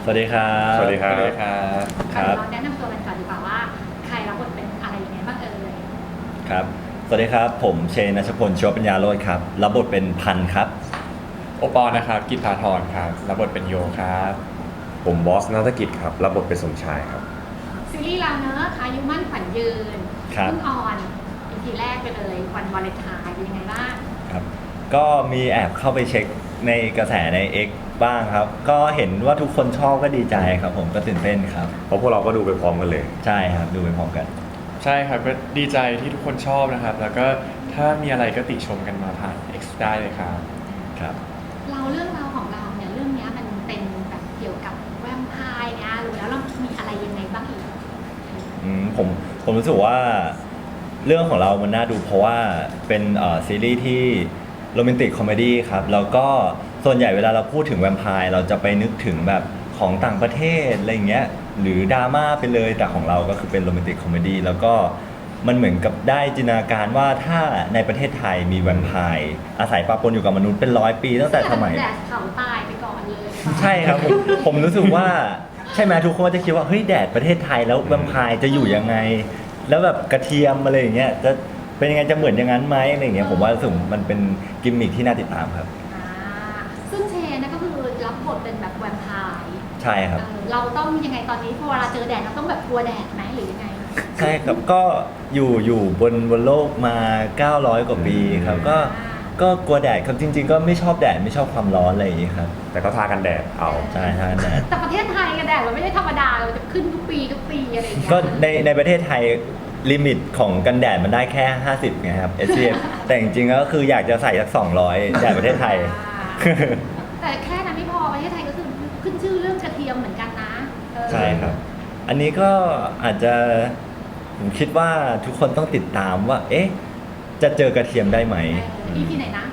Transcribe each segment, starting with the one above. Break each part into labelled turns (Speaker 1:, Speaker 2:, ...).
Speaker 1: สวัสดีครับ
Speaker 2: สวัสดีครับ
Speaker 1: ครับ
Speaker 3: เราแนะนำตัวกันก่อนดีกว่าว่าใครรับบทเป็นอะไรยังไงบ้างเอ่ย
Speaker 1: ครับ สวัสดีครับ ผมเชน ณชพล ชีวปัญญาโรจน์ครับ รับบทเป็นพันธุ์ครับ
Speaker 2: โอปอล์นะครับกิตตาธรครับรับบทเป็นโยครับ
Speaker 4: ผมบอสนัฐกิจครับรับบทเป็นสมชายครับ
Speaker 3: ซีรีส์เราเนอะอายุมั่นขวัญยืน
Speaker 1: ครับ
Speaker 3: เพิ่งออนอีพีแรกไปเลยวันวาเลนไทน์เป็นยังไงบ้าง
Speaker 1: ครับ ก็มีแอบเข้าไปเช็คในกระแสใน X บ้างครับ ก็เห็นว่าทุกคนชอบก็ดีใจครับ ผมก็ตื่นเต้นครับ
Speaker 4: เพราะพวกเราก็ดูไปพร้อมกันเลย
Speaker 1: ใช่ครับ ดูไปพร้อมกัน
Speaker 2: ใช่ครับก็ดีใจที่ทุกคนชอบนะครับ แล้วก็ถ้ามีอะไรก็ติชมกันมาผ่าน X ได้เลยครับ
Speaker 1: ครับ
Speaker 3: เราเรื่องราวของเราเนี่ยเรื่องเนี้ยมันเป็นแบบเกี่ยวกับแวมไพร์เนี่ยรู้แล้วเรามีอะไรยังไงบ้างอีก
Speaker 1: ผมรู้สึกว่าเรื่องของเรามันน่าดูเพราะว่าเป็นซีรีส์ที่โรแมนติกคอมเมดี้ครับแล้วก็ส่วนใหญ่เวลาเราพูดถึงแวมไพร์เราจะไปนึกถึงแบบของต่างประเทศอะไรเงี้ยหรือดราม่าไปเลยแต่ของเราก็คือเป็นโรแมนติกคอมเมดี้แล้วก็มันเหมือนกับได้จินตนาการว่าถ้าในประเทศไทยมีแวมไพร์อาศัยปะปนอยู่กับมนุษย์เป็น100 ปีตั้งแต่สมัย
Speaker 3: แดดเขาตายไปก่อนเลย
Speaker 1: ใช่ครับผมรู้สึกว่าใช่ไหมทุกคนก็จะคิดว่าเฮ้ยแดดประเทศไทยแล้วแวมไพร์จะอยู่ยังไง แล้วแบบกระเทียมอะไรอย่างเงี้ยจะเป็นยังไงจะเหมือนอย่างนั้นไหมอะไรอย่างเงี้ยผมว่ารู้สึกมันเป็นกิมมิคที่น่าติดตามครับ
Speaker 3: อ่าซึ่งเชนนะก็คือรับบทเป็นแบบแวมไพร์
Speaker 1: ใช่ครับ
Speaker 3: เราต้องยังไงตอนนี้พอเวลาเจอแดดเราต้องแบบกลัวแดดไหมหรือยังไง
Speaker 1: ใช่ครับก็อยู่บนโลกมา 900 กว่าปีครับก็กลัวแดดครับจริง ๆ ก็ไม่ชอบแดดไม่ชอบความร้อนอะไรอย่างงี้ครับ
Speaker 4: แต่ก็ทากันแดดเอา
Speaker 1: ใช่ทางแดด
Speaker 3: แต่ประเทศไทยกันแดดเราไม่ได้ธรรมดาเราจะขึ้นทุกปีอะไรอย่างเงี้ย
Speaker 1: ก็ในประเทศไทยลิมิตของกันแดดมันได้แค่ 50ไงครับ SPF แต่จริงๆก็คืออยากจะใส่สัก200แดดประเทศไทย
Speaker 3: แต่แค่นั้นไม่พอประเทศไทยก็คือขึ้นชื่อเรื่องกระเทียมเหมือนกันนะ
Speaker 1: ใช่ครับ อันนี้ก็อาจจะผมคิดว่าทุกคนต้องติดตามว่า เอ๊ะ จะเจอกระเทียมได้ไหม
Speaker 3: EP ไหนนะ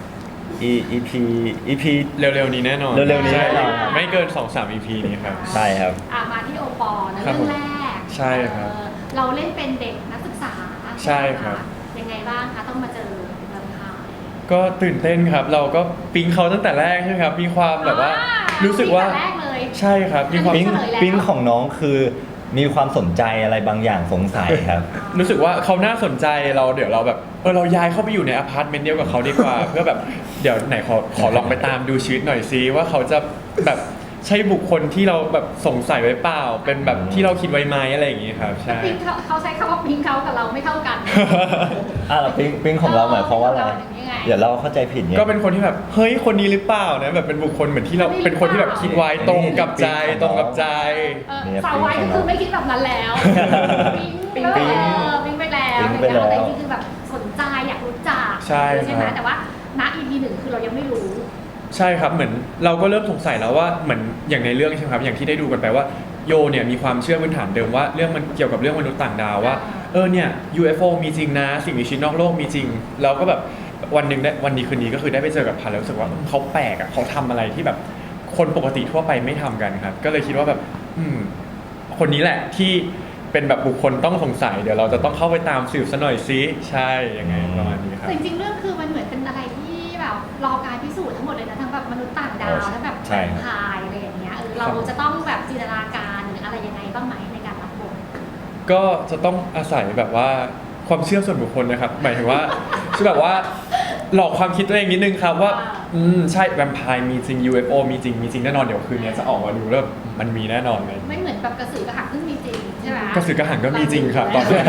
Speaker 1: EP
Speaker 2: เร็วๆนี้แน่นอน
Speaker 1: เร็วๆนี้แน่นอน
Speaker 2: ใช่ไม่เกิน 2-3 EP นี้ครับ
Speaker 1: ใช่ครับ
Speaker 3: มาที่โอปอล์นะ
Speaker 2: ครั
Speaker 3: เรื่
Speaker 2: บ
Speaker 3: องแรก
Speaker 2: ใช่ครับ
Speaker 3: เราเล่นเป็นเด็กนักศึกษา
Speaker 2: ใช่ครับ
Speaker 3: ยังไงบ้างคะต้องมาเจอแวมไพร์
Speaker 2: ก็ตื่นเต้นครับ เราก็ปิ๊งเขาตั้งแต่แรกใช่ไหมครับ มีความแบบว่ารู้สึกว่า
Speaker 3: ตั้งแต่แรกเลย
Speaker 2: ใช่ครับมีความ
Speaker 1: ปิ๊ง
Speaker 3: เฉลยแล้ว
Speaker 1: ปิ๊งของน้องคือมีความสนใจอะไรบางอย่างสงสัยครับ
Speaker 2: รู้สึกว่าเขาน่าสนใจเราเดี๋ยวเราแบบเราย้ายเข้าไปอยู่ในอพาร์ตเมนต์เดียวกับเขาดีกว่า เพื่อแบบเดี๋ยวไหนขอลองไปตามดูชีวิตหน่อยซิว่าเขาจะแบบใช่บุคคลที่เราแบบสงสัยไว้เปล่า เป็นแบบที่เราคิดไว้ไหมอะไรอย่างงี้ครับใช่
Speaker 3: ปิ๊งเขาใช้คำว่าปิ๊งเขากับเราไม่เท่ากัน
Speaker 1: แล้วปิ๊งของเราหมายความว่าอะไร
Speaker 3: ยังไง
Speaker 1: เดี๋ยวเราเข้าใจผิดเนี่ย
Speaker 2: ก็เป็นคนที่แบบเฮ้ยคนนี้หรือเปล่านะแบบเป็นบุคคลเหมือนที่เราเป็นคนที่แบบคิดไว้ตรงกับใจตรงกับใจ
Speaker 3: สาววายก็คือไม่คิดแบบนั้นแล้วปิ๊งไปแล้ว
Speaker 1: ปิ๊งไปแล้ว
Speaker 3: แต่นี่คือแบบสนใจอยากรู้จัก
Speaker 2: ใช่
Speaker 3: ไหม
Speaker 2: ครับ
Speaker 3: แต่ว่าณ EP หนึ่งคือเรายังไม่รู้
Speaker 2: ใช่ครับเหมือนเราก็เริ่มสงสัยแล้วว่าเหมือนอย่างในเรื่องใช่ไหมครับอย่างที่ได้ดูกันไปว่าโยเนี่ยมีความเชื่อพื้นฐานเดิมว่าเรื่องมันเกี่ยวกับเรื่องมนุษย์ต่างดาวว่าเนี่ย UFO มีจริงนะสิ่งมีชีวิตนอกโลกมีจริงเราก็แบบวันนี้คืนนี้ก็คือได้ไปเจอกับพันแล้วรู้สึกว่าเขาแปลกอ่ะเขาทำอะไรที่แบบคนปกติทั่วไปไม่ทำกันครับก็เลยคิดว่าแบบคนนี้แหละที่เป็นแบบบุคคลต้องสงสัยเดี๋ยวเราจะต้องเข้าไปตามสืบซะหน่อยซิใช่ยังไงประมาณนี้ครับ
Speaker 3: แต่จริงๆเรื่องคือมันเหมือนเป็นอะไรที่แบบรอการพิสูจน์ทั้งหมดเลยนะทั้งแบบมนุษย์ต่างดาวทั้งแบบ
Speaker 1: ใช่ครับ
Speaker 3: พายอะไรอย่างเงี้ยเราจะต้องแบบจินตนาการหรืออะไรยังไงบ้างไหมในการรับบท
Speaker 2: ก็จะต้องอาศัยแบบว่าความเชื่อส่วนบุคคลนะครับหมายถึงว่าคือแบบว่าหลอกความคิดตัวเองนิดนึงครับว่าใช่แวมไพร์มีจริง UFO มีจริงแน่นอนเดี๋ยวคืนนี้จะออกมาดูแล้วมันมีแน่นอนเลย
Speaker 3: ไม่เหมือนแบบกระสือกระหังซึ่งมีจริงใช่ไหม
Speaker 2: กระสือกระหังก็มีจริงครับตอนนี้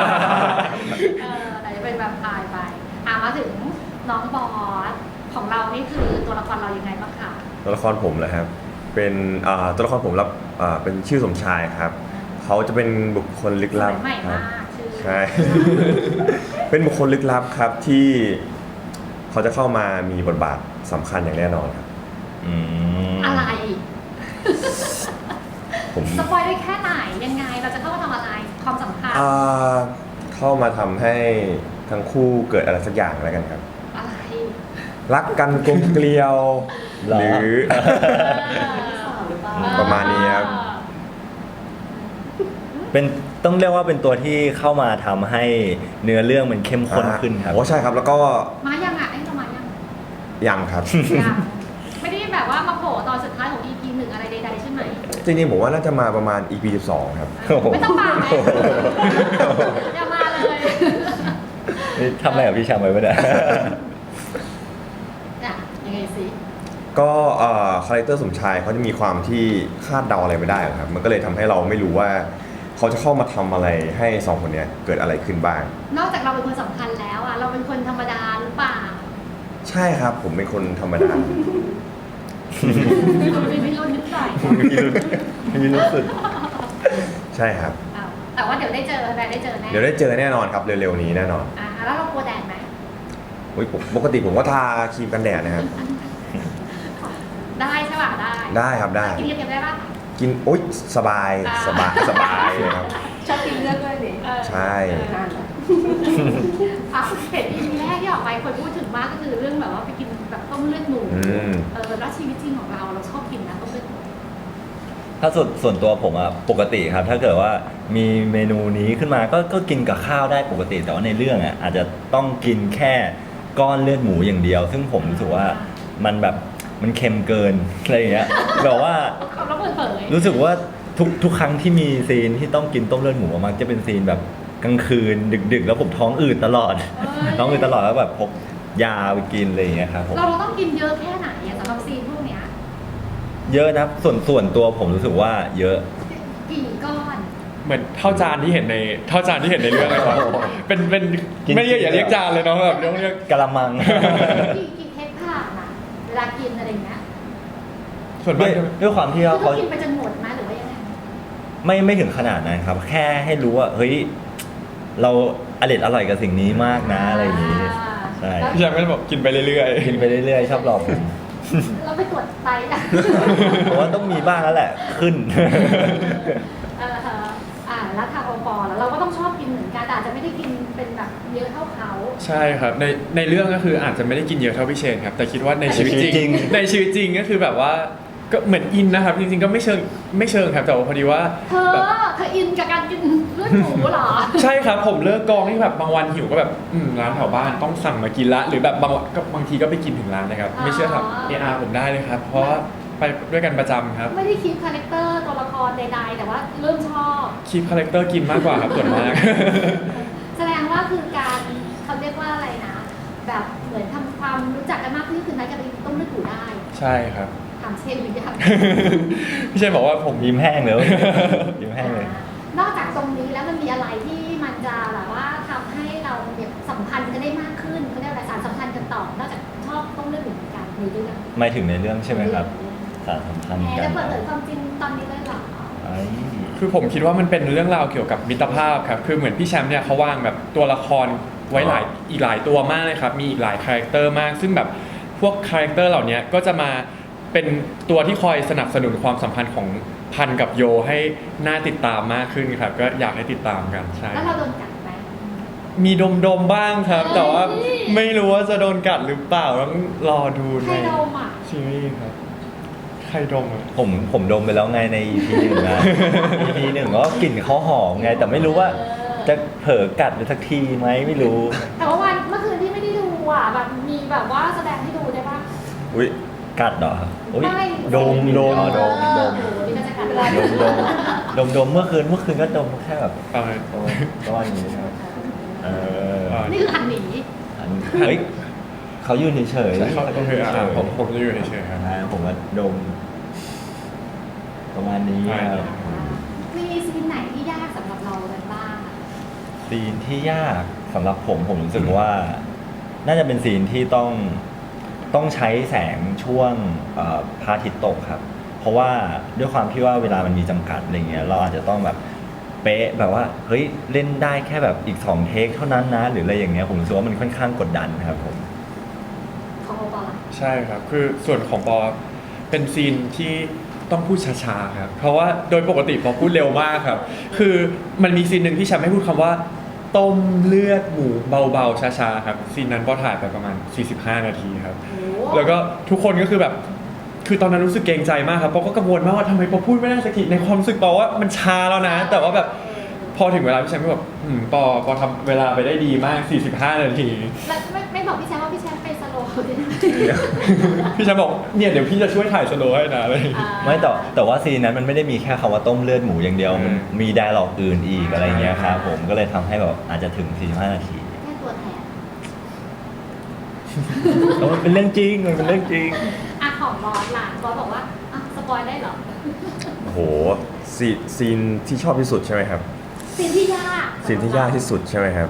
Speaker 3: แต่จะเป็นแบบพายไปมาถึงน้องบอสของเรานี่คือตัวละครเรายังไงบ้างคะ
Speaker 4: ตัวละครผมเหรอครับเป็นตัวละครผมรับเป็นชื่อสมชายครับเขาจะเป็นบุคคลลึกลับ
Speaker 3: สมัยใหม่
Speaker 4: ครั
Speaker 3: มา
Speaker 4: บ
Speaker 3: กชื่อ
Speaker 4: ใช่ เป็นบุคคลลึกลับครับที่เขาจะเข้ามามีบทบาทสำคัญอย่างแน่นอนครับ
Speaker 3: อะไร
Speaker 4: ผม
Speaker 3: สปอยได้แค่ไหนยังไงเราจะเข้ามาทำอะไรความสำคัญ
Speaker 4: เข้ามาทำให้ทั้งคู่เกิดอะไรสักอย่างแล้วกันครับ
Speaker 3: อะไร
Speaker 4: รักกันกลมเกลียว
Speaker 1: เหรอ
Speaker 4: หรือ ประมาณนี้ครับ
Speaker 1: เป็นต้องเรียกว่าเป็นตัวที่เข้ามาทำให้เนื้อเรื่องมันเข้มข้นขึ้นครับ
Speaker 4: โอ้ใช่ครับแล้วก็
Speaker 3: มายังอ่ะไอ้เรามายัง
Speaker 4: ยังครับ
Speaker 3: ยังไม่ได้แบบว่ามาโผล่ตอนสุดท้ายของ EP หนึ่งอะไรใดๆใช่ไหม
Speaker 4: จริงๆผมว่าน่าจะมาประมาณ EP 12ครับ
Speaker 1: โอ้โห
Speaker 3: ไม่ต้องมาไหมอย่ามาเลย
Speaker 1: นี่ทำอะไรกับพี่ชามไว้ปะเนี่ย
Speaker 3: อ่ะยังไงสิ
Speaker 4: ก็คาแรคเตอร์สมชายเขาจะมีความที่คาดเดาอะไรไม่ได้ครับมันก็เลยทำให้เราไม่รู้ว่าเขาจะเข้ามาทำอะไรให้สองคนเนี้ยเกิดอะไรขึ้นบ้าง
Speaker 3: นอกจากเราเป็นคนสำคัญแล้วอ่ะเราเป็นคนธรรมดาหรือเปล่า
Speaker 4: ใช่ครับผมเป็นคนธรรมดา
Speaker 3: มีพิรุธนิดหน่อย
Speaker 1: มีรู้สึก
Speaker 4: ใช่ครับ
Speaker 3: อ้าวแต่ว่าเดี๋ยวได้เจอแบรนด์ได้เจอแน่
Speaker 4: เดี๋ยวได้เจอแน่นอนครับเร็วๆนี้แน่นอน
Speaker 3: แล้วเรากลัวแดดไหม
Speaker 4: อุ๊ยปกติผมก็ทาครีมกันแดดนะครับ
Speaker 3: ได้ใช่ป่ะได้
Speaker 4: ได้ครับได้
Speaker 3: กินเค็มๆได้ป่ะ
Speaker 4: กินโอ๊ยสบาย
Speaker 3: อ่า
Speaker 4: สบายเลยครับ
Speaker 5: ชอบกินเลือดด้วยดิ
Speaker 4: ใช่
Speaker 5: นานแล้ว
Speaker 3: เห็นอีพีแรกที่ออกไปคนพูดถึงมากก็คือเรื่องแบบว่าไปกินแบบต้มเลือดหมู แล้วชีวิตจริงของเราชอบกินนะต้มเลือดหมู
Speaker 1: ถ้าส่วนตัวผมอะปกติครับ ถ้าเกิดว่ามีเมนูนี้ขึ้นมาก็กินกับข้าวได้ปกติ แต่ว่าในเรื่องอะอาจจะต้องกินแค่ก้อนเลือดหมูอย่างเดียว ซึ่งผมรู้สึกว่ามันแบบมันเค็มเกินอะไรอย่างเงี้ยแบบว่า
Speaker 3: เขาแล้วเปิดเผย
Speaker 1: รู้สึกว่าทุกครั้งที่มีซีนที่ต้องกินต้มเลือดหมูมักจะเป็นซีนแบบกลางคืนดึกๆ แล้วผมท้องอืดตลอด ท้องอืดตลอดแล้วแบบพกยาไปกินอะไรอย่างเงี้ยครับผม
Speaker 3: เราต้องกินเยอะแค่ไหนอะสำหรับซีนพวกเนี้ย
Speaker 1: เยอะนะครับส่วนตัวผมรู้สึกว่าเยอะ
Speaker 3: กี่ก้อน
Speaker 2: เหมือนเท่าจานที่เห็นในเรื่องเลยครับเป็น
Speaker 1: กิน
Speaker 2: ไม่เรียกอย่าเรียกจานเลยเนาะแบบเรียก
Speaker 1: กะละมัง
Speaker 3: กี่เทคผ่านอะเวลากินอะไรเงี้ย
Speaker 2: ส่วน
Speaker 1: ด้
Speaker 2: มา
Speaker 1: วย
Speaker 2: ก
Speaker 1: ด้วยความที่
Speaker 3: คือ
Speaker 1: ว่า
Speaker 3: เขา
Speaker 1: เขา
Speaker 3: กินไปจนหมดไหมหรือว่ายังไง
Speaker 1: ไม่ถึงขนาดนั้นครับ แค่ให้รู้ว่าเฮ้ยเราอร่อยกับสิ่งนี้มากนะอะไรอย่างนี้ใช่
Speaker 2: พี่แชมป์ก็จะบอกกินไปเรื่อย
Speaker 1: กินไปเรื่อยๆชอบหลอกผม
Speaker 3: เราไปตรวจไตอะ
Speaker 1: ผมว่าต้องมีบ้างแล้วแหละขึ้น
Speaker 3: แล้วทางองค์กรแล้วเราก็ต้องชอบกินเหมือนกันแต่อาจจะไม่ได้กินเป็นแบบเยอะเท่าเขา
Speaker 2: ๆ ใช่ครับในเรื่องก็คืออาจจะไม่ได้กินเยอะเท่าพี่เชนครับแต่คิดว่าในชีวิตจริง ในชีวิตจริงก็คือแบบว่าก็เหมือนอินนะครับจริงๆก็ไม่เชิงครับแต่ว่าพอดีว่า
Speaker 3: เธอ
Speaker 2: แบบ
Speaker 3: อินกับการกินเลือดหมูเหรอ
Speaker 2: ใช่ครับผมเลิกกองที่แบบบางวันหิวก็แบบร้านแถวบ้านต้องสั่งมากินละหรือแบบบางทีก็ไปกินถึงร้านนะครับไม่เชื่อครับผมได้เลยครับเพราะว่าไปด้วยกันประจำครับ
Speaker 3: ไม่ได้คิดคาแรคเตอร์ตัวละครใดๆแต่ว่าเริ่มชอบ
Speaker 2: คีปคาแรคเตอร์กินมากกว่าครับส่วนมาก
Speaker 3: แสดงว่าคือการเขาเรียกว่าอะไรนะ แบบเหมือนทำความรู้จักกันมากขึ้นคือนัดกันไปต้มเลือดหมูได้
Speaker 2: ใช่ครับ
Speaker 3: ถามเชฟหรือยัง
Speaker 2: พี่เชนบอกว่าผม
Speaker 1: ยิ้มแห้งเลย ยิ้มแห้งเลย
Speaker 3: นอกจากตรงนี้แล้วมันมีอะไรที่มันจะแบบว่าทำให้เราเนี่ยสัมพันธ์กันได้มากขึ้นเขาเรียกอะไรสารสัมพันธ์กันต่อนอกจากชอบต้มเลือดหมูเหมือนกันในเรื่อง
Speaker 1: ไม่ถึงในเรื่องใช่ไหมครับสารสัมพันธ์
Speaker 3: แหม
Speaker 1: กั
Speaker 3: จะ
Speaker 1: น
Speaker 3: เปิดเผยความจริงตอนนี้เลยเหรอ
Speaker 1: ไอ้
Speaker 2: คือผมคิดว่ามันเป็นเรื่องราวเกี่ยวกับมิตรภาพครับคือเหมือนพี่แชมป์เนี่ยเขาวางแบบตัวละครไว้อีกหลายตัวมากเลยครับมีอีกหลายคาแรคเตอร์มาก ซึ่งแบบพวกคาแรคเตอร์เหล่านี้ก็จะมาเป็นตัวที่คอยสนับสนุนความสัมพันธ์ของพันกับโยให้น่าติดตามมากขึ้นครับก็อยากให้ติดตามกันใช่
Speaker 3: แล้วเราโดนกัดไหม
Speaker 2: มีดมบ้างครับ แต่ว่า
Speaker 3: เฮ้ย
Speaker 2: ไม่รู้ว่าจะโดนกัดหรือเปล่าต้องรอดู
Speaker 3: ใค
Speaker 2: ใน
Speaker 3: รโดมอ่ะ
Speaker 2: ซีรีส์ครับใครดมอ่ะ
Speaker 1: ผมดมไปแล้วไงใน EP หนึ่งนะ EP หนึ่งก็กลิ่นเขาหอมไง แต่ไม่รู้ว่าจะเผลอกัดไปสักทีไหมไม่รู้
Speaker 3: แต่ว่าวันเมื่อคืนที่ไม่ได้ดูอ่ะแบบมีแบบว่าแสดงให้ดูได้ปะ
Speaker 4: อุ้ย
Speaker 1: กัดเหรออุ๊ย
Speaker 3: ไม่
Speaker 1: ดม
Speaker 3: เออ
Speaker 1: ดม
Speaker 3: โอ้โหนี่ก็จะกัดเวลา
Speaker 1: ดมเมื่อคืนก็ดมแค่แบบ
Speaker 2: ประมาณ
Speaker 1: ประมาณนี้ครับเออ
Speaker 3: นี่คือหันหนี
Speaker 1: เฮ้ยเขายืนเฉยๆ
Speaker 2: ใช่เขาโอเคผมจะอยู่เฉยๆครับ
Speaker 1: ผมว่าดม ประมาณนี้ครับ
Speaker 3: มีซีนไหนที่ยากสำหรับเรากันบ้างอะ
Speaker 1: ซีนที่ยากสำหรับผมรู้สึกว่า น่าจะเป็นซีนที่ต้องใช้แสงช่วงพระอาทิตย์ตกครับ เพราะว่าด้วยความที่ว่าเวลามันมีจำกัดอะไรเงี้ยเราอาจจะต้องแบบเป๊ะแบบว่าเฮ้ยเล่นได้แค่แบบอีก2เทคเท่านั้นนะหรืออะไรอย่างเงี้ยผมรู้สึกว่ามันค่อนข้างกดดันครับผม
Speaker 3: ของโอปอล์
Speaker 2: ใช่ครับ คือส่วนของปอเป็นซีนที่ต้องพูดช้าๆครับ เพราะว่าโดยปกติปอพูดเร็วมากครับ คือมันมีซีนหนึ่งที่ฉันไม่พูดคำว่า ต้มเลือดหมูเบาๆช้าๆครับซีนนั้นปอถ่ายไปประมาณ45 นาทีครับ
Speaker 3: โอ้
Speaker 2: แล้วก็ทุกคนก็คือแบบ คือตอนนั้นรู้สึกเกรงใจมากครับปอก็กังวลมากว่าทำไมปอพูดไม่ได้สักทีในความรู้สึกปอว่ามันช้าแล้วนะ แต่ว่าแบบพอถึงเวลาพี่แชมป์ก็แบบปอทำเวลาไปได้ดีมาก45 นาที
Speaker 3: แล้วไม่บอกพี่แชมป์ว่าพี่แชมป์ไปสโลว์ดิ
Speaker 2: พี่แชมป์บอกเนี่ยเดี๋ยวพี่จะช่วยถ่ายสโลว์ให้นะเลย
Speaker 1: ไม่แต่ว่าซีนนั้นมันไม่ได้มีแค่คำว่าต้มเลือดหมูอย่างเดียว มันมีไดอะล็อกอื่นอีกอะไรเงี้ยครับผมก็เลยทำให้แบบอาจจะถึง 45 นาที
Speaker 3: แค่ตัวแทน
Speaker 1: แต่มันเป็นเรื่องจริงมันเป็นเรื่องจริง
Speaker 3: อ่ะของบอสล่ะบอสบอกว่าอ่ะสปอยได้เหรอ
Speaker 4: โอ้โหซีนที่ชอบที่สุดใช่ไหมครับ
Speaker 3: ซีนที่ยาก
Speaker 4: ซีนที่ยากที่สุดใช่ไหมครับ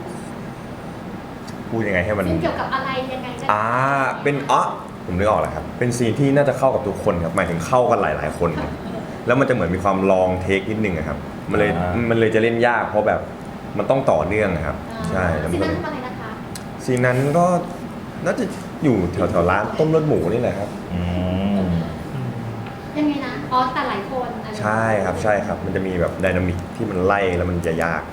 Speaker 4: พูดยังไงให้มัน
Speaker 3: ซีนเกี่ยวกับอะไรยังไงได้
Speaker 4: เป็นผมนึกออกแล้วครับ เป็นซีนที่น่าจะเข้ากับทุกคนครับ หมายถึงเข้ากันหลายๆคนครับแล้วมันจะเหมือนมีความลองเทคนิดนึงอะครับ มันเลยจะเล่นยากเพราะแบบมันต้องต่อเนื่องอะครับ ใช่แล้ว
Speaker 3: ซี
Speaker 4: มัน
Speaker 3: น
Speaker 4: ก็
Speaker 3: นั้นอะไรนะคะ
Speaker 4: ซีนนั้นก็น่าจะอยู่แถวๆร้านต้มเลือดหมูนี่แหละครับ
Speaker 1: อืม
Speaker 3: ยังไงนะอ๋อแต่หลายคนอะไร
Speaker 4: ใช่ครับ มันจะมีแบบไดนามิกที่มันไล่แล้วมันจะยาก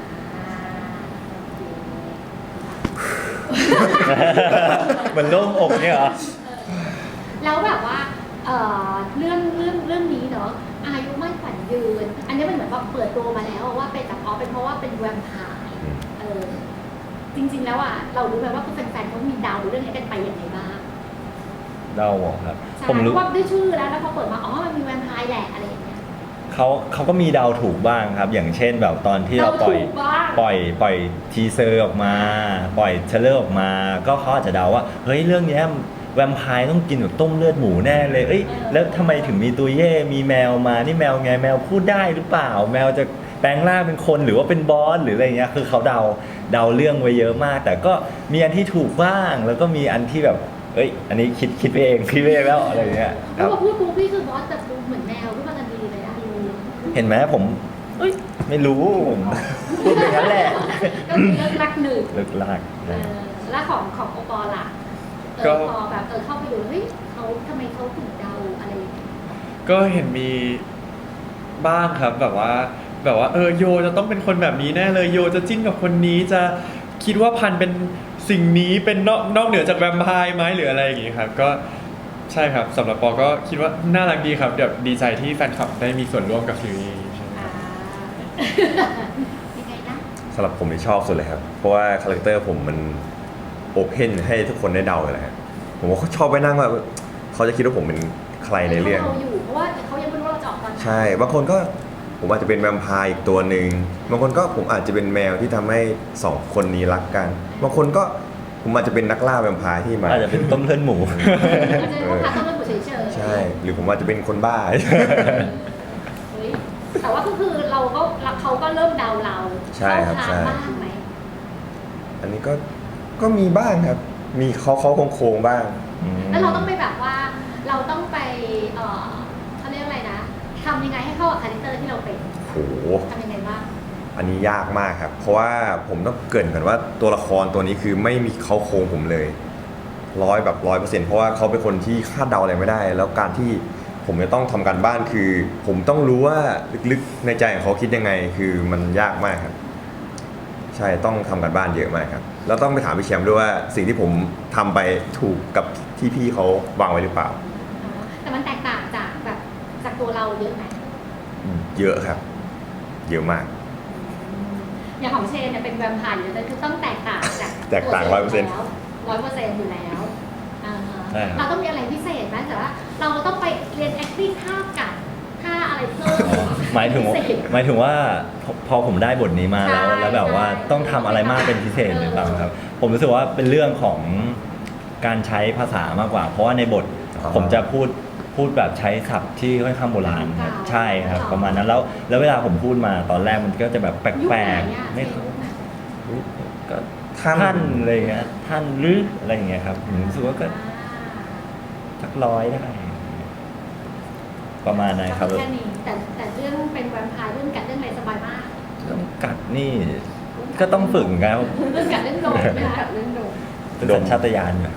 Speaker 1: มันโล่งอกเนี่ยเหรอ
Speaker 3: แล้วแบบว่าเรื่องนี้เนาะอายุมั่นขวัญยืน อันนี้มันเหมือนว่าเปิดตัวมาแล้วว่าเป็นแบบเป็นเพราะว่าเป็นแวมไพร์จริงๆแล้วอ่ะเรารู้ไหมว่าแฟนๆเขามีเดาเรื่องนี้กันไปยังไงบ้าง
Speaker 1: เราบอกครับ
Speaker 3: ใช่
Speaker 1: ผม
Speaker 3: เพ
Speaker 1: รู้
Speaker 3: ราะว่าด้วยชื่อแล้วพอเปิดมามันมีแวมไพร์แหละอะไรอย่างเงี้ย
Speaker 1: เขาก็มีเดาถูกบ้างครับ อย่างเช่นแบบตอนที่เราปล่อย
Speaker 3: เดาถูกบ้าง
Speaker 1: ปล่อยทีเซอร์ออกมา ปล่อยเทรลเลอร์ออกมา ก็เขาอาจจะเดาว่าเฮ้ยเรื่องเนี้ยแวมไพร์ต้องกินแบบต้มเลือดหมูแน่เลยแล้วทำไมถึงมีตัวเย่มีแมวมานี่แมวไงแมวพูดได้หรือเปล่า แมวจะแปลงร่างเป็นคนหรือว่าเป็นบอสหรืออะไรเงี้ยคือเขาเดาเรื่องไว้เยอะมาก แต่ก็มีอันที่ถูกบ้าง แล้วก็มีอันที่แบบอันนี้คิดไปเองแล้วอะไรเงี้ยค
Speaker 3: แล้
Speaker 1: รั
Speaker 3: ว
Speaker 1: บ
Speaker 3: พอพูดปุ๊บพี่คือบอสแต่ดูเหมือนแมวขึ้นมาทันทีเลยอะ
Speaker 1: เห็นไหมผมไม่รู้ผมพูดไปงั้นแหละ
Speaker 3: ก็คือเลิกรักหนึ่ง
Speaker 1: เลิกลาก
Speaker 3: แล้วของโอปอล่ะ
Speaker 2: ก็
Speaker 3: พอแบบเข้าไปดูเขาทำไมเขาถึงเดาอะไรอย่างเงี้ย
Speaker 2: ก็เห็นมีบ้างครับแบบว่าโยจะต้องเป็นคนแบบนี้แน่เลยโยจะจิ้นกับคนนี้จะคิดว่าพันเป็นสิ่งนี้เป็นนอกเหนือจากแวมไพร์ไหมหรืออะไรอย่างงี้ครับก็ใช่ครับสำหรับปอก็คิดว่าน่ารักดีครับเดี๋ยวดีใจที่แฟนคลับได้มีส่วนร่วมกับซีรีส์ใช่ไหม
Speaker 3: ยังไงนะ
Speaker 4: สำหรับผมที่ชอบสุดเลยครับ เพราะว่าคาแรคเตอร์ผมมันโอเพนให้ทุกคนได้เดาเลยครับผมว่าเขาชอบไปนั่งว่าเขาจะคิดว่าผมเป็นใครในเรื่อง
Speaker 3: อยู่เพราะว่าเขายังไม่รู้ว่าเราจะออกตอนไหน
Speaker 4: ใช่ บางคนก็ผมอาจจะเป็นแวมไพร์อีกตัวหนึ่งบางคนก็ผมอาจจะเป็นแมวที่ทำให้สองคนนี้รักกัน บางคนก็ผมอาจจะเป็นนักล่าแวมไพร์ที่มา
Speaker 1: อาจจะเป็นต้มเลือดหมู
Speaker 3: อาจจะเป็นพวกค้าต้นเรื่องหมูเฉยๆ
Speaker 4: ใช่ หรือผมอาจจะเป็นคนบ้า
Speaker 3: เฮ้ยแต่ว่าก็คือเขาก็เริ่มเดาเรา
Speaker 4: ใช่ครับ
Speaker 3: เข้า
Speaker 4: ใช่
Speaker 3: ทางบ้างไหม
Speaker 4: อันนี้ก็มีบ้างครับ มีเขาโค้งๆบ้าง
Speaker 3: แล้วเราต้องไปแบบว่าเราต้องไปเขาเรียกอะไรนะทำยังไงให้เข้ากับคาแรคเตอร์ที่เราเป็น
Speaker 4: โห
Speaker 3: ทำยังไงบ้าง
Speaker 4: อันนี้ยากมากครับ เพราะว่าผมต้องเกริ่นก่อนว่าตัวละครตัวนี้คือไม่มีเขาโครงผมเลย100%เพราะว่าเขาเป็นคนที่คาดเดาอะไรไม่ได้ แล้วการที่ผมจะต้องทำการบ้านคือ ผมต้องรู้ว่าลึกๆในใจของเขาคิดยังไง คือมันยากมากครับ ใช่ต้องทำการบ้านเยอะมากครับแล้วต้องไปถามพี่แชมป์ด้วยว่าสิ่งที่ผมทำไปถูกกับที่พี่เขาวางไว้หรือเปล่า
Speaker 3: แต่มันแตกต่างจากตัวเราเยอะไหม
Speaker 4: เยอะครับ เยอะมาก
Speaker 3: อย่างของเชนเนี่ยเป็นแวมไพร์อยู่แล้วคือต้องแตกต่างจาก
Speaker 4: แตกต่าง 100%
Speaker 3: 100%อยู่แล้วอ่าฮะ
Speaker 1: ใช่ครับ
Speaker 3: เราต้องมีอะไรพิเศษไหมแต่ว่าเราต้องไปเรียน acting ท่ากัดท่าอะไรเพิ่ม
Speaker 1: หมายถึง
Speaker 3: พิเศษ
Speaker 1: ว่าพอผมได้บทนี้มาแล้ว
Speaker 3: ใช่
Speaker 1: แล้วแบบว่า
Speaker 3: ใช่
Speaker 1: ต้องทำอะไรมากเป็นพิเศษหรือเปล่าครับ ผมรู้สึกว่าเป็นเรื่องของการใช้ภาษามากกว่า เพราะว่าในบท
Speaker 4: อ๋อ
Speaker 1: ผมจะพูดแบบใช้ศัพท์ที่ค่อนข้างโบราณครับใช่ครับ ประมาณนั้นแล้วเวลาผมพูดมาตอนแรกมันก็จะแบบแป
Speaker 3: ยุค
Speaker 1: ล
Speaker 3: ไหน
Speaker 1: ก
Speaker 3: อะ
Speaker 1: ๆไม่
Speaker 3: ยุคไหน
Speaker 1: ก็
Speaker 4: ท่าน
Speaker 1: ท่านอะไรอย่างเงี้ยท่านหรืออะไรอย่างเงี้ยครับผมรู้สึกว่าก็สัก100ได้ประมาณนั้นครับ
Speaker 3: แค่นี้แต่เรื่องเป็นแวมไพร์เรื่องกัดเรื่องอะไรสบายมาก
Speaker 1: ต้องกัดนี่ก็ต้องฝึกครับ
Speaker 3: เรื่องกัดเรื่องโดนไม่ได้กัดเรื่องโดน
Speaker 1: เป็นสัญชาตญาณอยู่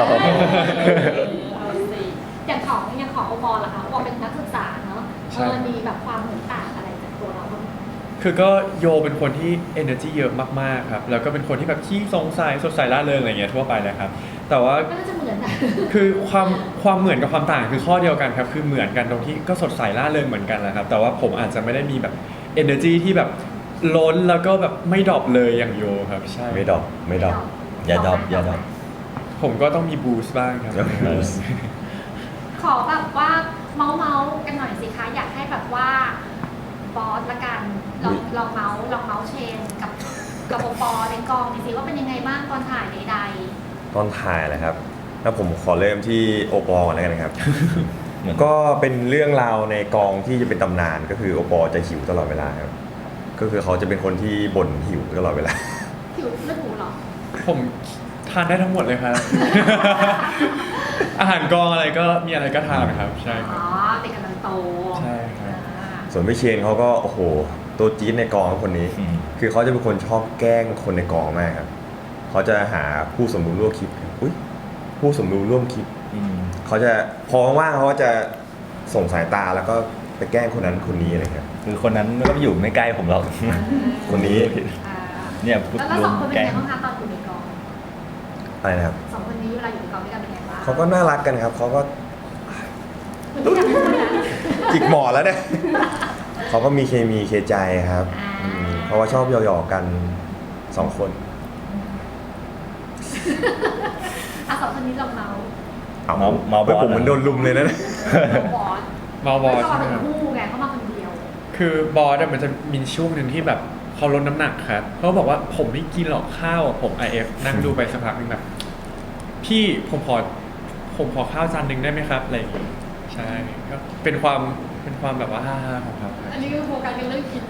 Speaker 3: อย่างของโอปอล์ล่ะคะโอปอล์เป็นนักศึกษาเนาะ
Speaker 2: ใช่
Speaker 3: มีแบบความเหมือนต่างอะไรจากตัวเราบ้าง
Speaker 2: คือก็โยเป็นคนที่ energy เยอะมากๆครับแล้วก็เป็นคนที่แบบขี้สงสัยสดใสร่าเริงอะไรเงี้ยทั่วไปเลยครับแต่ว่า
Speaker 3: ก็น่าจะเหมือนนะ
Speaker 2: คือความเหมือนกับความต่างคือข้อเดียวกันครับคือเหมือนกันตรงที่ก็สดใสร่าเริงเหมือนกันแหละครับแต่ว่าผมอาจจะไม่ได้มีแบบ energy ที่แบบล้นแล้วก็แบบไม่ดรอปเลยอย่างโยครับใช่
Speaker 4: ไม่ดรอปไม่ดรอป
Speaker 1: อย่าดรอปอย่าดรอป
Speaker 2: ผมก็ต้องมีบูสต์บ้างครับ
Speaker 3: ขอแบบว่าเมาส์กันหน่อยสิคะอยากให้แบบว่าบอสละกันลองเมาส์เชนกับโอปอในกองหน่อยสิว่าเป็นยังไงบ้างตอนถ่ายใด
Speaker 4: ตอนถ่ายแหละครับแล้วผมขอเริ่มที่โอปอลก่อนแล้วกันนะครับ
Speaker 1: เหมือน
Speaker 4: ก็เป็นเรื่องราวในกองที่จะเป็นตำนานก็คือโอปอลจะหิวตลอดเวลาครับก็คือเขาจะเป็นคนที่บ่นหิวตลอดเวลา
Speaker 3: ๆผิวเลือดหมูเหรอ
Speaker 2: ผมทานได้ทั้งหมดเลยครับ อาหารกองอะไรก็มีอะไรก็ทานครับใช่ค
Speaker 3: อ๋
Speaker 2: รั
Speaker 3: อบ เด็กกำลังโต
Speaker 2: ใช่ครับ
Speaker 3: อ่า
Speaker 4: ส่วนพี่เชนเขาก็โอ้โหตัวจี๊ดในกองครับคนนี้
Speaker 1: อืม
Speaker 4: คือเขาจะเป็นคนชอบแกล้งคนในกองมากครับเขาจะหาผู้สมรู้ร่วมคิดอุ้ยผู้สมรู้ร่วมคิด
Speaker 1: อืม
Speaker 4: เขาจะพอว่างๆเขาก็จะส่งสายตาแล้วก็ไปแกล้งคนนั้นคนนี้อะไรครับ
Speaker 1: คือคนนั้นก็อยู่ไม่ใกล้ผมหรอก
Speaker 4: คนนี้
Speaker 3: อ่า
Speaker 1: เนี่ยพูด
Speaker 3: แล้ว
Speaker 1: ร
Speaker 3: ส
Speaker 1: ว
Speaker 3: อ
Speaker 1: ม
Speaker 3: งคนเป็น
Speaker 1: แกล้
Speaker 3: ไง
Speaker 1: ง
Speaker 3: บ้างคะตอนอยู่ในกอง
Speaker 4: อะไรนะครับ
Speaker 3: สองคนนี้เวลาอยู่ในกองด้วยกันเป็นไงบ้าง
Speaker 4: เขาก็น่ารักกันครับเขาก็
Speaker 3: เหมือนที่อยากพูดนะ
Speaker 4: จิกหมอนแล้วเนี่ย เขาก็มีเคมีเคใจครับ
Speaker 3: อ่า
Speaker 4: เพราะว่าชอบหยอกๆกันสองคน
Speaker 3: อ่ะสองคนนี้ลองเมาส์
Speaker 4: เอา
Speaker 1: เมาบ
Speaker 4: ฮ้ย
Speaker 1: อส
Speaker 4: ผมเหมือนโดนลุมเลยนะ
Speaker 3: บอส
Speaker 2: มาบอส
Speaker 3: เขา
Speaker 2: ใช่
Speaker 3: มา
Speaker 2: ไหม
Speaker 3: เป็น
Speaker 2: ครับ
Speaker 3: คู่ไงเขามาคนเดียว
Speaker 2: คือบอสอะมันจะมีช่วงหนึ่งที่แบบเขาลดน้ำหนักครับเขาบอกว่าผมไม่กินหรอกข้าวอะผม IF นั่งดูไปสักพักหนึงแบบพี่ผมขอข้าวจานหนึ่งได้ไหมครับอะไรอย่างงี้ใช่ก็เป็นความแบบว่าฮ่าๆของเขาครับ
Speaker 3: อันนี้คือโฟกัสกันเรื่องกิน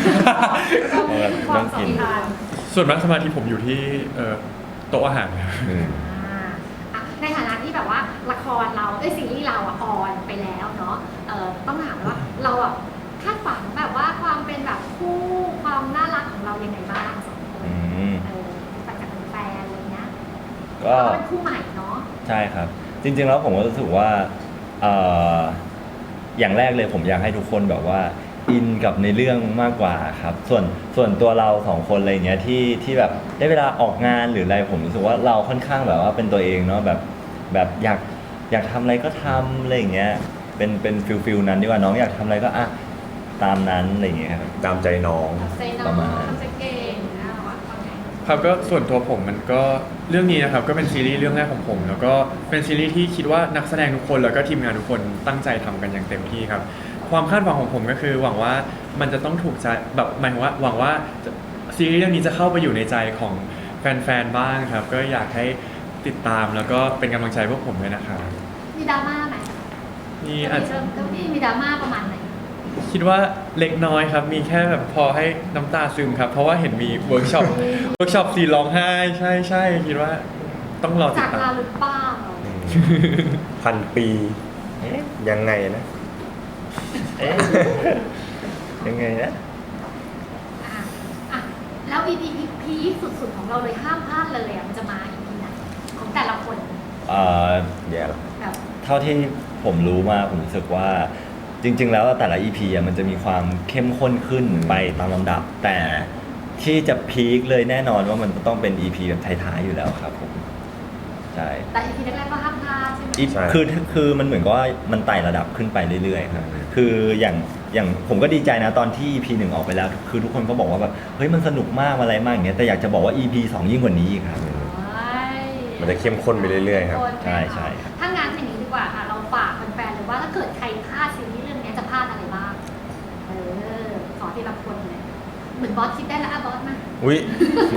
Speaker 1: ต้องกิน
Speaker 2: ส่วนมากสมาธิผมอยู่ที่โต๊ะอาหารครับ
Speaker 3: ในฐานะที่แบบว่าละครเราซีรีส์เราออนไปแล้วเนาะต้องถามว่าเราแบบคาดฝันแบบว่าความเป็นแบบคู่ความน่ารักของเรายังไงบ้างสองคน
Speaker 1: อืม
Speaker 3: ปัจจัยแฟนอะไรเงี้ย
Speaker 1: ก็
Speaker 3: เราเป็นคู่ใหม่เนาะ
Speaker 1: ใช่ครับ จริงๆแล้วผมก็รู้สึกว่าเอ่ออย่างแรกเลยผมอยากให้ทุกคนแบบว่าอินกับในเรื่องมากกว่าครับ ส่วนตัวเราสองคนอะไรเงี้ยที่แบบได้เวลาออกงานหรืออะไรผมรู้สึกว่าเราค่อนข้างแบบว่าเป็นตัวเองเนาะแบบอยากทำอะไรก็ทำอะไรอย่างเงี้ยเป็นฟิลนั้นดีกว่าน้องอยากทำอะไรก็อ่ะตามนั้นอะไรอย่างเงี้ยครับ
Speaker 4: ตามใจน้อง
Speaker 3: ใจน้
Speaker 1: ประ
Speaker 3: อง
Speaker 1: มาณ
Speaker 3: ทำใจเก่งนะว่าทำไง
Speaker 2: ครับก็ส่วนตัวผมมันก็เรื่องนี้นะครับก็เป็นซีรีส์เรื่องแรกของผม แล้วก็เป็นซีรีส์ที่คิดว่านักแสดงทุกคนแล้วก็ทีมงานทุกคนตั้งใจทำกันอย่างเต็มที่ครับความคาดหวังของผมก็คือหวังว่ามันจะต้องถูกใจแบบหมายถึงว่าหวังว่าซีรีส์เรื่องนี้จะเข้าไปอยู่ในใจของแฟนๆบ้างครับก็อยากให้ติดตามแล้วก็เป็นกำลังใจพวกผมด้วยนะครับ
Speaker 3: มีดราม่าไหม
Speaker 2: นี่อาจจะ
Speaker 3: เจ้าพี่มีดราม่าประมาณไหน
Speaker 2: คิดว่าเล็กน้อยครับมีแค่แบบพอให้น้ำตาซึมครับเพราะว่าเห็นมีเวิร์กช็อปซีนร้องไห้ใช่คิดว่าต้องรอติ
Speaker 3: จา
Speaker 2: ด
Speaker 3: ก
Speaker 2: ตา
Speaker 3: ลาม หรือเปล่า
Speaker 4: พันปียังไงนะ
Speaker 1: เอ๊ะยังไงนะ
Speaker 3: อ่ะอ่ะแล้ว EP พีคสุดๆของเราเลยห้ามพลาดเลยมันจะมา EP ไหนของแต่ละคน
Speaker 1: เอ่อ
Speaker 4: แย่ละ
Speaker 3: แบบ
Speaker 1: เท่าที่ผมรู้มาผมรู้สึกว่าจริง ๆ แล้วแต่ละ EP มันจะมีความเข้มข้นขึ้นไปตามลำดับ แต่ที่จะพีคเลยแน่นอนว่ามันต้องเป็น EP แบบท้ายๆอยู่แล้วครับผมใช่
Speaker 3: แต่ EP แรกๆก็ห้ามพลาดใช่ไหม
Speaker 1: คือมันเหมือนกับว่ามันไต่ระดับขึ้นไปเรื่อยๆครับคืออย่างผมก็ดีใจนะตอนที่ EP 1ออกไปแล้ว คือทุกคนก็บอกว่าแบบเฮ้ยมันสนุกมากอะไรมากอย่างเงี้ยแต่อยากจะบอกว่า EP 2ยิ่งกว่านี้อีกครับ
Speaker 4: มันจะเข้มข้นไปเรื่อยๆครับ
Speaker 1: ใช่ใช่ครับ
Speaker 3: ถ้างั้นอย่างนี้ดีกว่าค่ะ เราฝากแฟนๆเลยว่าถ้าเกิดใครพลาดซีรีส์เรื่องนี้จะพลาดอะไรบ้าง ขอทีละคนเลย เหมือนบอสคิดได้แล้วอะบอสมา
Speaker 4: อุ้ย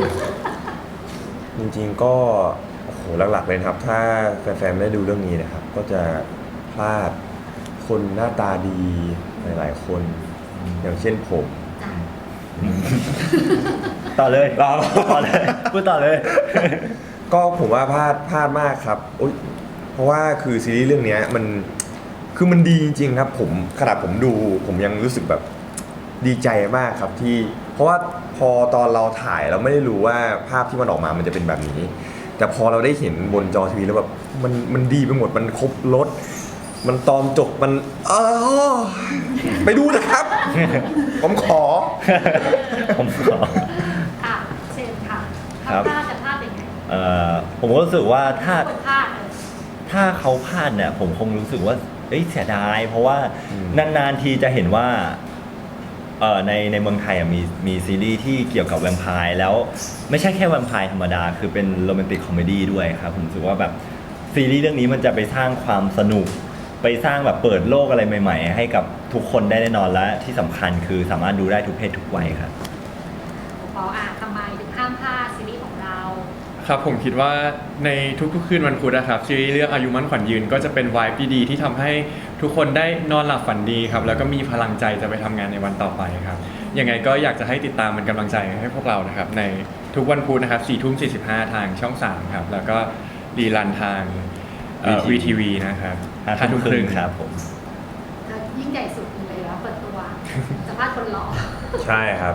Speaker 4: จริงๆก็โอ้โหหลักๆเลยนะครับ ถ้าแฟนๆไม่ได้ดูเรื่องนี้นะครับ ก็จะพลาดคนหน้าตาดีหลายๆคน อย่างเช่นผม
Speaker 3: จ้ะ
Speaker 1: ต่อเลยต่อเลยพูดต่อเลย
Speaker 4: ก็ผมว่าพลาดมากครับอุ๊ยเพราะว่าคือซีรีส์เรื่องเนี้ยมันคือมันดีจริงๆครับผมขนาดผมดูผมยังรู้สึกแบบดีใจมากครับที่เพราะว่าพอตอนเราถ่ายเราไม่ได้รู้ว่าภาพที่มันออกมามันจะเป็นแบบนี้ แต่พอเราได้เห็นบนจอทีวีแล้วแบบมันดีไปหมดมันครบรสมันตอนจบมันไปดูนะครับ ผมขอ
Speaker 1: ผมขอ
Speaker 3: อ่ะเชิญค่ะ
Speaker 1: ครั
Speaker 3: ถ้า
Speaker 1: บ
Speaker 3: พลาดจะพลาดยังไง
Speaker 1: ผมก็รู้สึกว่าถ้า
Speaker 3: คนพลาด
Speaker 1: ถ้าเขาพลาดเนี่ยผมคงรู้สึกว่าเสียดาย เพราะว่า
Speaker 4: อืม
Speaker 1: นานๆทีจะเห็นว่าในเมืองไทยอ่ะมีซีรีส์ที่เกี่ยวกับแวมไพร์แล้วไม่ใช่แค่แวมไพร์ธรรมดาคือเป็นโรแมนติกคอมเมดี้ด้วยครับผมรู้สึกว่าแบบซีรีส์เรื่องนี้มันจะไปสร้างความสนุกไปสร้างแบบเปิดโลกอะไรใหม่ๆให้กับทุกคนได้แน่นอนและที่สำคัญคือสามารถดูได้ทุกเพศทุกวัยครับ
Speaker 3: ปอทำไมถึงห้ามพลาดซีรีส์ของเรา
Speaker 2: ครับผมคิดว่าในทุกๆคืนวันพุธนะครับซีรีส์เรื่องอายุมั่นขวัญยืนก็จะเป็นวายดีๆที่ทำให้ทุกคนได้นอนหลับฝันดีครับแล้วก็มีพลังใจจะไปทำงานในวันต่อไปครับยังไงก็อยากจะให้ติดตามเป็นกำลังใจให้พวกเรานะครับในทุกวันพุธนะครับ4:45ทางช่อง 3ครับแล้วก็รีรันทางVTV นะครับ
Speaker 1: 5 ทุ่มครึ่งครับผม
Speaker 3: ยิ่งใหญ่สุดเลยแล้วเปิดตัวสัมภาษณ์คนหล่อ
Speaker 4: ใช่ครับ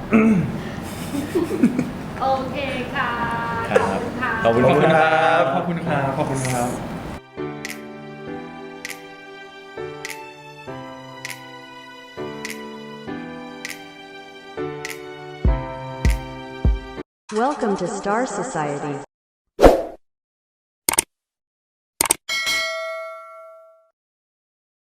Speaker 3: โอเคค่ะ
Speaker 1: ครับ
Speaker 3: ขอบคุณค่ะ
Speaker 1: ขอบคุณครับ
Speaker 2: ขอบคุณครับขอบคุณครับ
Speaker 5: Welcome to Star Society.